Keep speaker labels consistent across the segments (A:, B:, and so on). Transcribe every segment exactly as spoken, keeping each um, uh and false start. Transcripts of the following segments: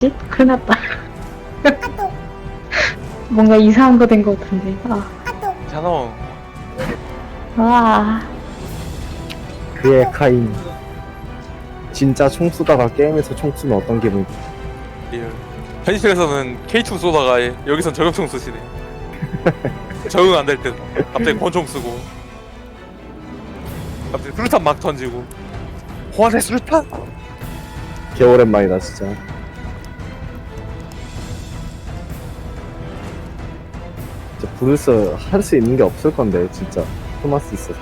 A: 큰일 났다. 뭔가 이상한 거 된 것 같은데. 아,
B: 자노
A: 와,
C: 그의 카인. 진짜 총 쏘다가 게임에서 총 쏘면 어떤 기분?
B: 리얼. 현실에서는 케이투 쏘다가 여기선 저격총 쓰시네. 적응 안 될 때 갑자기 권총 쓰고 갑자기 수류탄 막 던지고. 호환의 수류탄?
C: 개 오랜만이다 진짜. 진짜 브루스 할 수 있는 게 없을 건데 진짜 토마스 있어.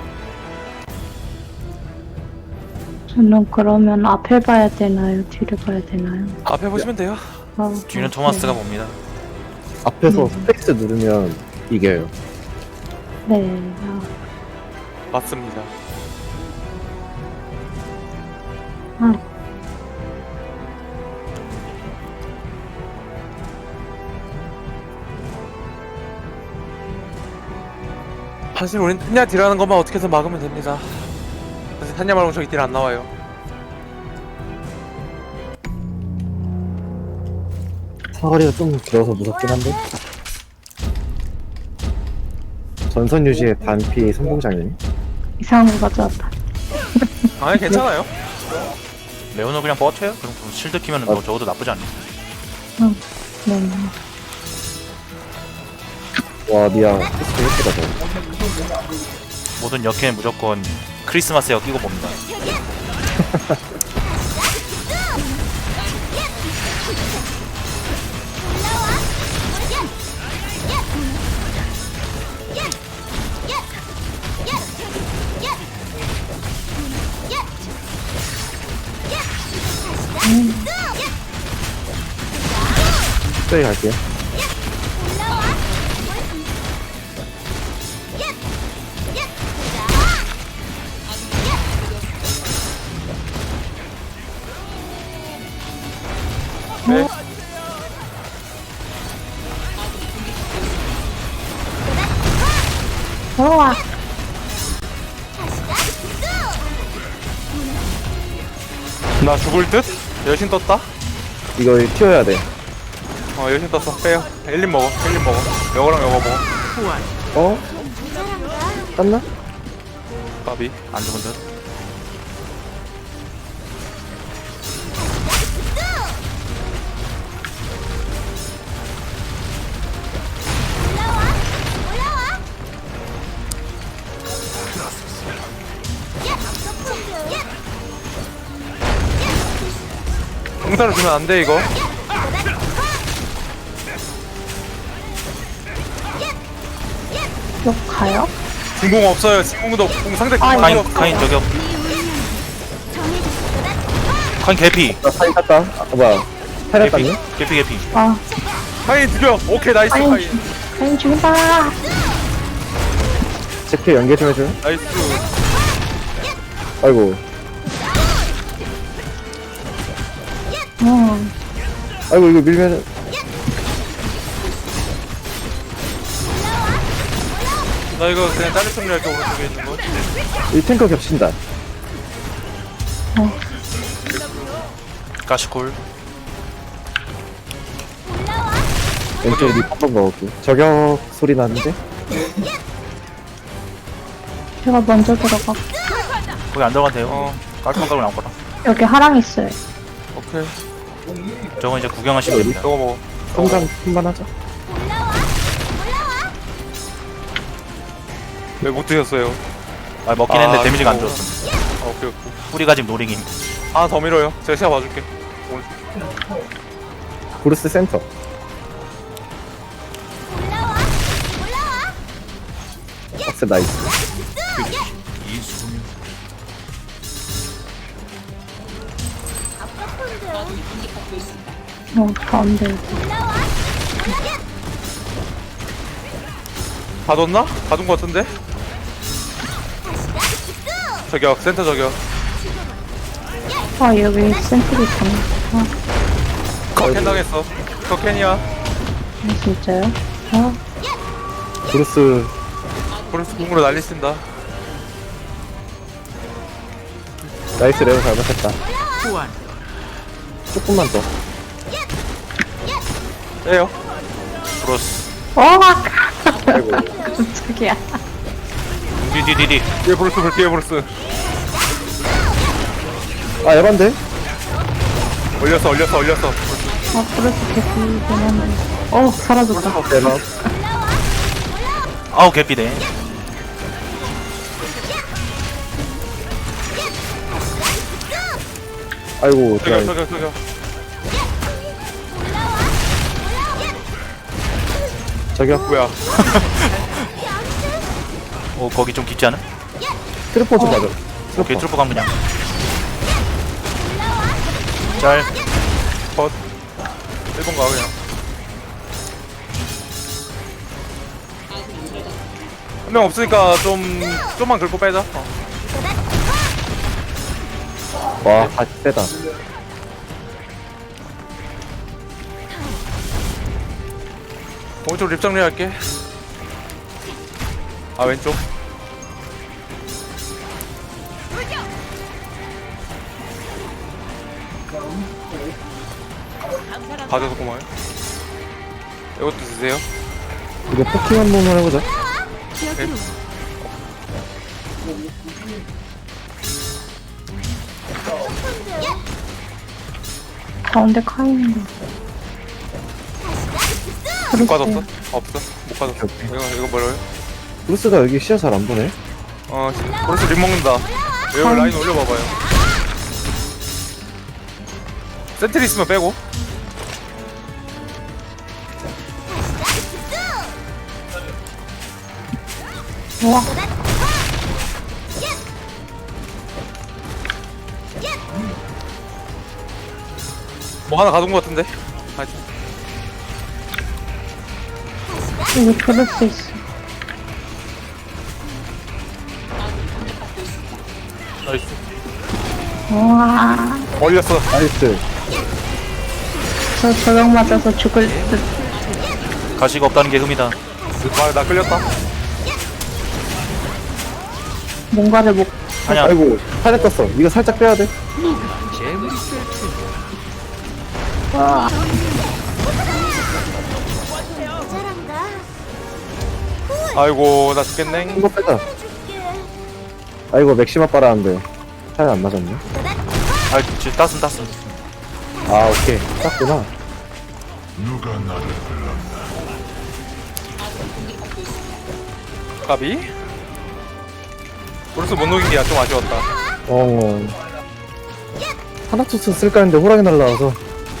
A: 저는 그러면 앞에 봐야 되나요? 뒤를 봐야 되나요?
B: 앞에 보시면 돼요.
A: 아,
D: 뒤는
A: 아,
D: 토마스가
A: 네.
D: 봅니다.
C: 앞에서
A: 음.
C: 스페이스 누르면 이겨요.
A: 네. 아,
B: 맞습니다.
A: 아,
B: 사실 우린 탄냐 딜하는 것만 어떻게든 막으면 됩니다. 사실 탄냐 말고 저기 딜 안 나와요.
C: 사거리가 좀 길어서 무섭긴 한데. 전선 유지의 단피 성공장이네.
A: 이상한 거 가져왔다.
B: 아니 괜찮아요.
D: 레오노 그냥 버텨요? 그럼 그럼 실드 키면은 뭐 적어도 나쁘지 않네.
A: 응. 네.
C: 와 미야 스페이스 예쁘다 너.
D: 모든 역캐는 무조건 크리스마스 역 끼고 봅니다.
C: 스페이 갈게요.
B: 네.
A: 들어와.
B: 나 죽을 듯? 여신 떴다?
C: 이거 튀어야 돼.
B: 어 여신 떴어. 빼요. 엘린 먹어. 엘린 먹어. 요거랑 요거 먹어.
C: 어? 땄나?
B: 까비.
D: 안 죽은 듯.
B: 공사를 주면 안 돼 이거.
A: 역 가요?
B: 진공 없어요. 진공도 없고 상대
A: 아,
B: 공이
D: 카인
B: 없어.
D: 카인 저격. 카인 개피.
C: 나 사인 땄다. 아 뭐야? 사인
D: 개피
C: 땄니?
D: 개피 개피.
A: 아,
B: 카인 죽여. 오케이 나이스
A: 카인
B: 카인.
A: 죽, 카인 죽인다.
C: 제키 연계 좀 해줘.
B: 나이스.
C: 아이고.
A: 응.
C: 아이고 이거 밀면은
B: 나 이거 그냥 다른 총리 할게. 오른쪽에 있는 거.
C: 이 탱커 겹친다.
D: 가시콜.
C: 왼쪽 립 한번 먹을게. 저격 소리 나는데?
A: 제가 먼저 들어가.
D: 거기 안 들어가도 돼요.
B: 어
D: 깔끔한 걸로 나올 거라.
A: 여기 하랑 있어요.
B: 오케이.
D: 저건 이제 구경하시면 됩니다.
B: 요거 먹어.
C: 성장 한번 하자.
B: 왜 못 드셨어요?
D: 아 먹긴 했는데
B: 아,
D: 데미지가 안
B: 이거.
D: 들었음.
B: 아, 오케이 오케이.
D: 뿌리가 지금 노링임.
B: 하나 더 밀어요. 제가 시야 봐줄게. 오늘
C: 브루스 센터. 박스 나이스.
A: 어, 가운데.
B: 봐줬나? 봐준 거 같은데? 저격 센터 저격.
A: 아, 여기 센트리 있구나. 아,
B: 커켄 당했어. 커켄이야.
A: 진짜요? 아,
C: 브루스
B: 브루스 궁으로 난리 쓴다.
C: 나이스 레오 잘못했다. 조금만 더.
B: 빼요.
D: 브로스.
A: 어!
C: 아이고.
A: 깜짝이야.
D: 디디디디.
B: 뒤에 브루스, 뒤에 브루스.
C: 아, 에반데?
B: 올렸어, 올렸어, 올렸어.
A: 아, 그래서 개꿀이긴 한데. 어, 사라졌다.
C: 에반.
D: 아우 개피네.
C: 아이고,
B: 저기요,
C: 드라이.
B: 저기요, 저기요.
C: 저기요.
B: 뭐야?
D: 어 거기 좀 깊지 않아?
C: 트리퍼 좀 맞아.
D: 오케이 트루프 간 그냥. 짤.
B: 컷. 일본 가, 그냥. 한 명 없으니까 좀, 좀만 긁고 빼자. 어.
C: 와, 같이 세다.
B: 오른쪽 립 정리할게. 아, 왼쪽. 봐줘서 고마워요. 이것도 드세요.
C: 이거 포킹 한 번만 해보자.
A: 가운데 카이는 거.
B: 못 가졌어? 없어? 못 가졌어.
C: 오케이,
B: 이거, 이거 뭐라고요?
C: 브루스가 여기 시야 잘 안 보네.
B: 어, 벌써 립 먹는다. 여기
A: 아.
B: 라인 올려봐봐요. 센트리 있으면 빼고.
A: 우와.
B: 뭐 하나 가둔 것 같은데? 아,
A: 여기 브루스 있어.
B: 나이스.
A: 우와.
B: 올렸어.
C: 나이스.
A: 저 저격 맞아서 죽을 듯.
D: 가시가 없다는 게 흠이다.
B: 아, 나 끌렸다.
A: 뭔가를 못.
D: 아니야.
C: 아이고, 살에 떴어. 이거 살짝 빼야 돼.
A: 와.
B: 아이고, 나 죽겠네.
C: 이거 빼자. 아이고, 맥시마 빨았는데. 살이 안 맞았네.
D: 아 지금 따순 따순.
C: 아, 오케이. 땄구나.
B: 까비? 브루스 못 녹인 게 좀 아쉬웠다.
C: 어. 하나투스 쓸까 했는데 호랑이 날라와서.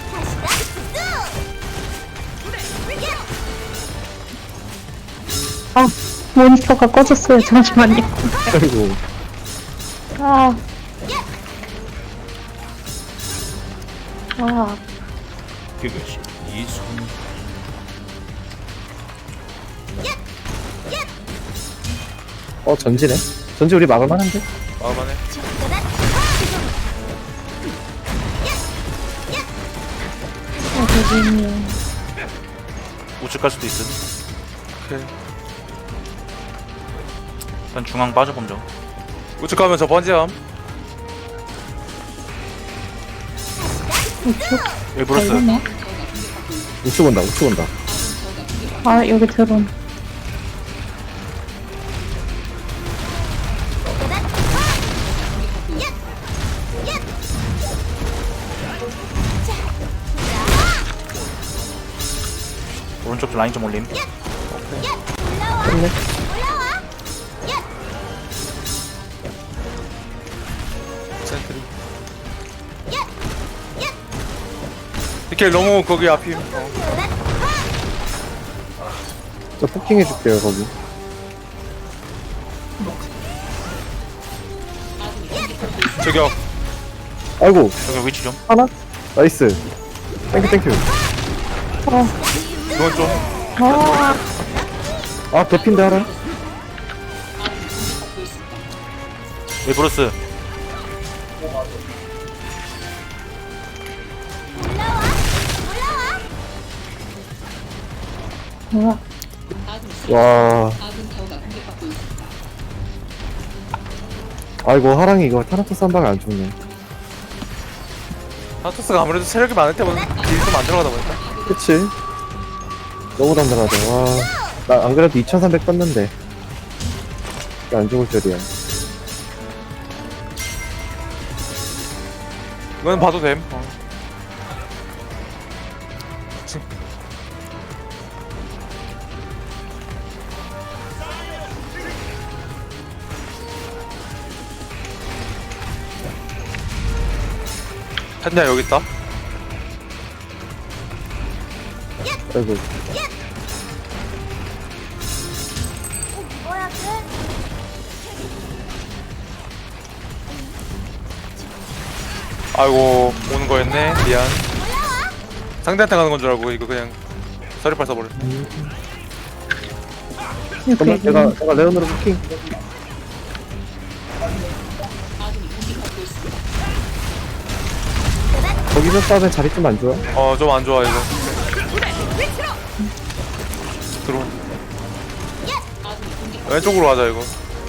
A: 아, 모니터가 꺼졌어요. 잠시만요.
C: 아이고.
A: 아. 아.
D: 그것이 이순.
C: 어, 전지네. 전지 우리 막을만한데?
B: 마음만해.
A: 어, 되게
D: 우측 갈 수도 있음.
B: 오케이.
D: 일단 중앙 빠져봄죠.
B: 우측 가면 저 번지함.
A: 우측.
D: 여기 브로스.
A: 걸리네.
C: 우측 온다, 우측 온다.
A: 아, 여기 드론.
D: 오른쪽 라인 좀 올림.
C: 됐네.
B: 센트리. 이렇게 너무 거기 앞이. 어.
C: 저 포킹 해줄게요, 거기.
B: 저기요.
C: 아이고,
D: 여기 위치 좀.
C: 하나? 나이스. 땡큐, 땡큐.
A: 어.
B: 이건 좀.
A: 아.
C: 아, 개핀데 하나?
D: 여기 브로스.
A: 우와.
C: 와. 아이고, 하랑이 이거 타나토스 한 방에 안 죽네.
B: 하토스가 아무래도 체력이 많을 때보다 딜이 좀 안 들어가다 보니까.
C: 그치? 너무 단단하다. 와. 나 안 그래도 이천삼백 떴는데. 이게 안 죽을 줄이야.
B: 이건 봐도 됨. 어. 탄냐 여기 있다.
C: 아이고.
B: 아이고 오는 거였네. 미안. 상대한테 가는 건 줄 알고 이거 그냥 서리빨 써버렸어.
A: 이렇게
C: 잠깐만, 내가, 내가 레온으로 부킹. 거기서 싸우면 자리 좀 안 좋아?
B: 어 좀 안 좋아 이거. 들어. 왼쪽으로 가자 이거.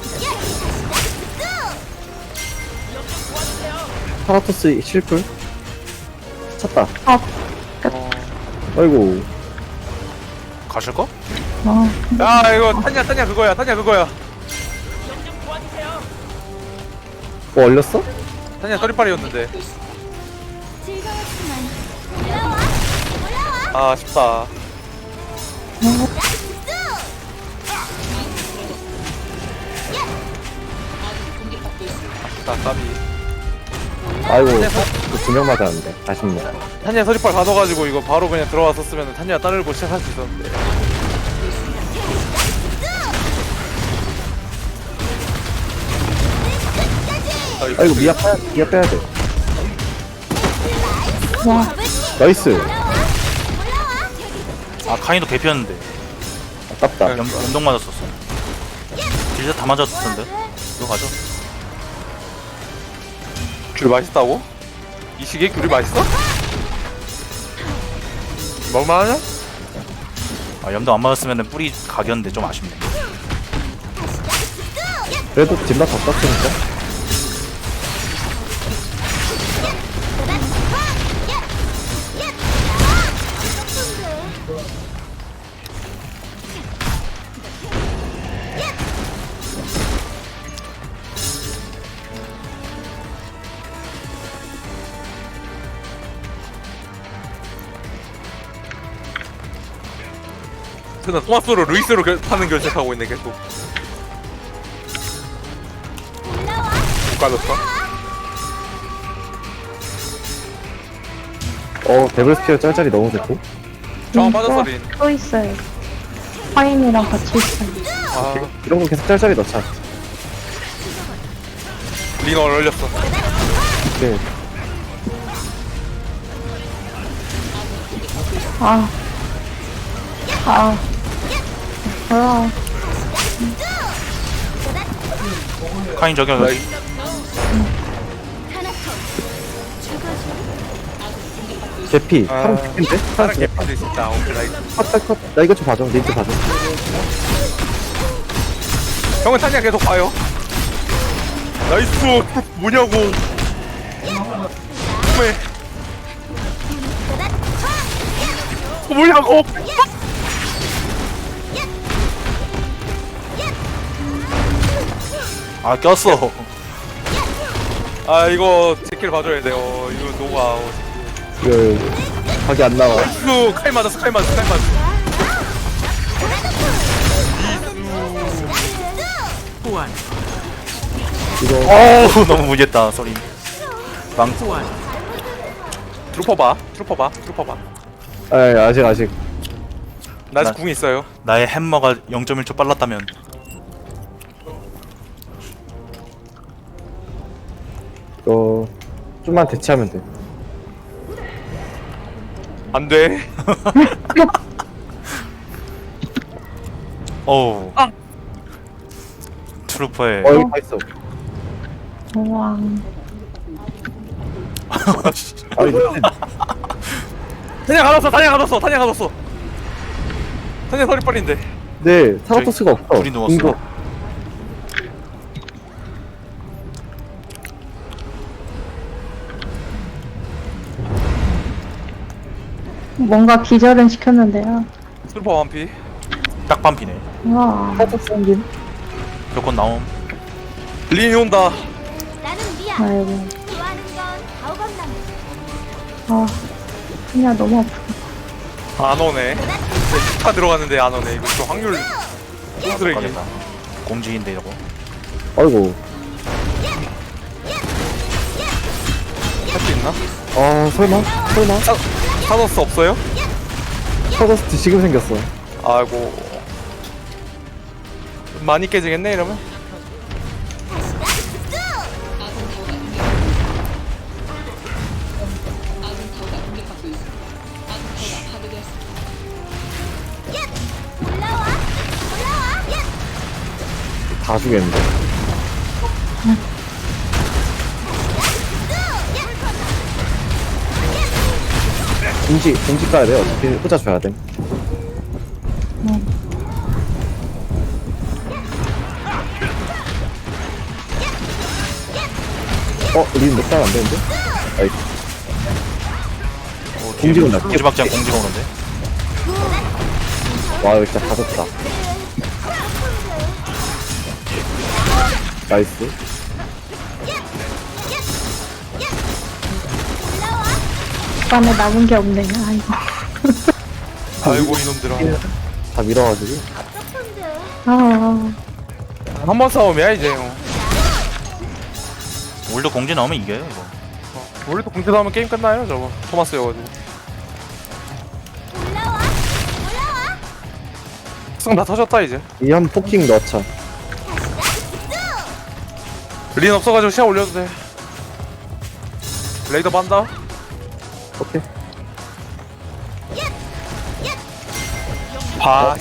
C: 타라토스 실풀? 찼다.
A: 아,
B: 어.
C: 아이고.
D: 가실까?
A: 어.
B: 야 이거 탄냐 탄냐 그거야 탄냐 그거야.
C: 뭐 얼렸어?
B: 탄냐 서리빨이었는데. 아 아쉽다. 아쉽다 까비.
C: 아이고. 두 명 맞았는데. 아쉽네.
B: 탄냐 서리빨 가둬가지고 이거 바로 그냥 들어왔었으면 탄냐 따르고 시작할 수 있었는데.
C: 아이고, 미아 빼야, 미아 빼야 돼.
A: 와,
C: 나이스.
D: 아 카인도 개피였는데
C: 아깝다.
D: 연, 연동 맞았었어. 딜샷 다 맞았었는데. 이거 가죠.
B: 귤 맛있다고? 이 시기에 귤이 맛있어? 먹을만하냐?
D: 아 연동 안 맞았으면 뿌리 각이었는데 좀 아쉽네.
C: 그래도 뒷맛 더 떴으니까.
B: 그나 토마스로 루이스로 결, 타는 결정하고 있네 계속. 못 가졌어?
C: 어, 데블스피어 짤짤이 너무 좋고.
B: 저항 빠졌어 린.
A: 또 있어요. 파인이랑 같이 있어요.
B: 아,
C: 이런 거 계속 짤짤이 넣자.
B: 린 얼렸어.
C: 네.
A: 아, 아, 뭐야.
D: 카인 저격.
B: 나이.
C: 개피.
B: 아,
C: 사람 개피인데?
B: 다른
C: 사람 개피.
B: 개판도 있다. 오케이 나이스.
C: 컷, 컷, 컷. 나 이거 좀 봐줘. 닌트 봐줘.
B: 형은 탄냐 계속 봐요. 나이스. 뭐냐고. 왜? 어, 뭐냐고.
D: 아 꼈어.
B: 아 이거 제킬 봐줘야 돼. 어 이거 녹아. 어,
C: 이거, 각이 안 나와.
B: 나이스. 칼 맞았어. 칼 맞았어. 칼 맞았어.
C: 이거,
D: 어우 너무 무리했다 소리. 망.
B: 트루퍼 봐. 트루퍼 봐. 트루퍼 봐.
C: 아, 아직, 아직.
B: 나 아직
D: 나-
B: 궁 있어요.
D: 나의 햄머가 영 점 일 초 빨랐다면.
C: 이거, 좀만 대치하면 돼.
B: 안 돼.
D: 어우.
B: 아.
D: 트루퍼의.
C: 어, 여기 다 있어.
A: 우와.
C: 아, 이거,
B: 탄냐 가뒀어. 탄냐 가뒀어. 탄냐 가뒀어. 탄냐 서리빨인데.
C: 네, 타라토스가 없어.
D: 둘이 누웠어.
C: 이거,
A: 뭔가 기절은 시켰는데요.
B: 슬퍼 완피.
D: 딱 반피네.
A: 와.
C: 살짝 생긴
D: 조건 나옴.
B: 린이 온다.
E: 나는 미야.
A: 아이고.
E: 좋아하는 건 가오건나무.
A: 아. 그냥 너무 아프다.
B: 안 오네. 다 들어갔는데 안 오네. 이거 좀 확률 쓰레기.
D: 가겠다. 공지인데 이거.
C: 아이고
B: 할 수 있나?
C: 아 설마? 설마?
B: 사, 사더스 없어요?
C: 터졌을 지금 생겼어.
B: 아이고. 많이 깨지겠네 이러면.
E: 올라와. 올라와. 야.
C: 다 죽였는데. 공지 공지 까야 돼. 어차피 후자 줘야 돼. 어, 우리는 몇 살 안 되는데? 아이,
D: 어, 뒤에
C: 공지가 낮게
D: 공지박장 공지가 오는데.
C: 와, 이거 진짜 가졌다. 나이스.
A: 안에 남은 게 없네. 아이고.
B: 아이고 이놈들아.
C: 다 밀어가지고.
A: 아.
B: 한 번 싸움이야 이제. 어.
D: 올드 공지 나오면 이겨요 이거.
B: 우리도 공지 나오면 게임 끝나요 저거. 토마스여가지고.
E: 올라와. 올라와.
B: 승 다 터졌다 이제.
C: 이 한 포킹 넣자.
B: 린 없어가지고 시야 올려도 돼. 레이더 반다.
C: 오케이.
B: 봐.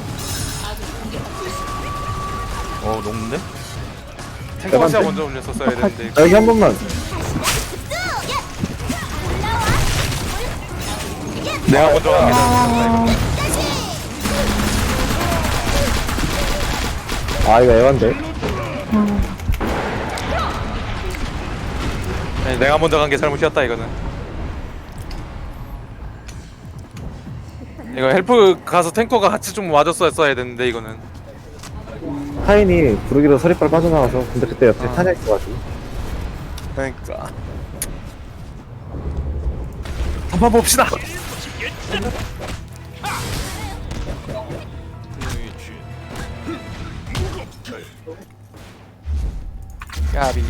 D: 어 녹는데?
B: 탱커 시야 먼저 올렸었어야 되는데.
C: 아, 여기 한 번만.
B: 내가 먼저 가게
A: 아.
C: 아, 이거 애완데.
B: 네, 내가 먼저 간 게 잘못이었다 이거는. 이거 헬프 가서 탱커가 같이 좀 와줬어야 되는데 이거는.
C: 타인이 부르기로 서리빨 빠져나와서 근데 그때 옆에 타냐 있어가지고.
B: 그러니까. 한번 봅시다. 까비.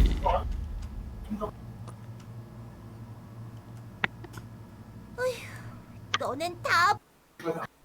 E: 너넨 다